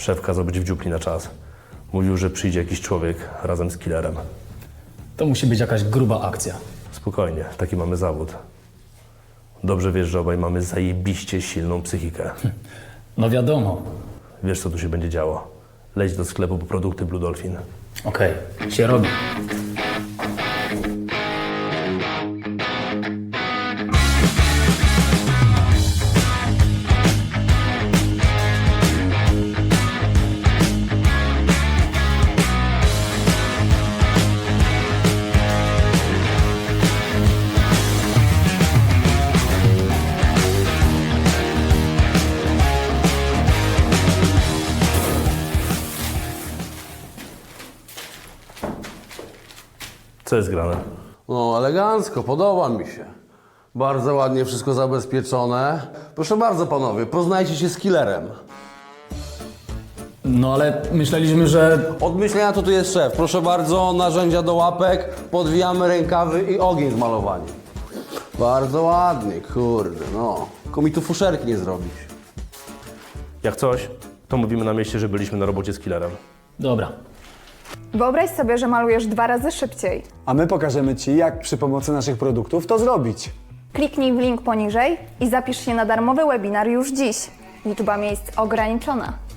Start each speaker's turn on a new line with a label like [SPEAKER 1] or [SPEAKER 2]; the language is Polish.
[SPEAKER 1] Szef kazał być w dziupli na czas. Mówił, że przyjdzie jakiś człowiek razem z killerem.
[SPEAKER 2] To musi być jakaś gruba akcja.
[SPEAKER 1] Spokojnie, taki mamy zawód. Dobrze wiesz, że obaj mamy zajebiście silną psychikę.
[SPEAKER 2] No wiadomo.
[SPEAKER 1] Wiesz, co tu się będzie działo. Leć do sklepu po produkty Blue Dolphin.
[SPEAKER 2] Okej, się robi.
[SPEAKER 1] Co jest grane?
[SPEAKER 3] No, elegancko, podoba mi się. Bardzo ładnie wszystko zabezpieczone. Proszę bardzo, panowie, poznajcie się z killerem.
[SPEAKER 2] No ale myśleliśmy, że...
[SPEAKER 3] Od myślenia to tu jest szef. Proszę bardzo, narzędzia do łapek, podwijamy rękawy i ogień z malowaniem. Bardzo ładnie, kurde, no. Tylko mi tu fuszerki nie zrobić.
[SPEAKER 1] Jak coś, to mówimy na mieście, że byliśmy na robocie z killerem.
[SPEAKER 2] Dobra.
[SPEAKER 4] Wyobraź sobie, że malujesz 2 razy szybciej.
[SPEAKER 5] A my pokażemy Ci, jak przy pomocy naszych produktów to zrobić.
[SPEAKER 4] Kliknij w link poniżej i zapisz się na darmowy webinar już dziś. Liczba miejsc ograniczona.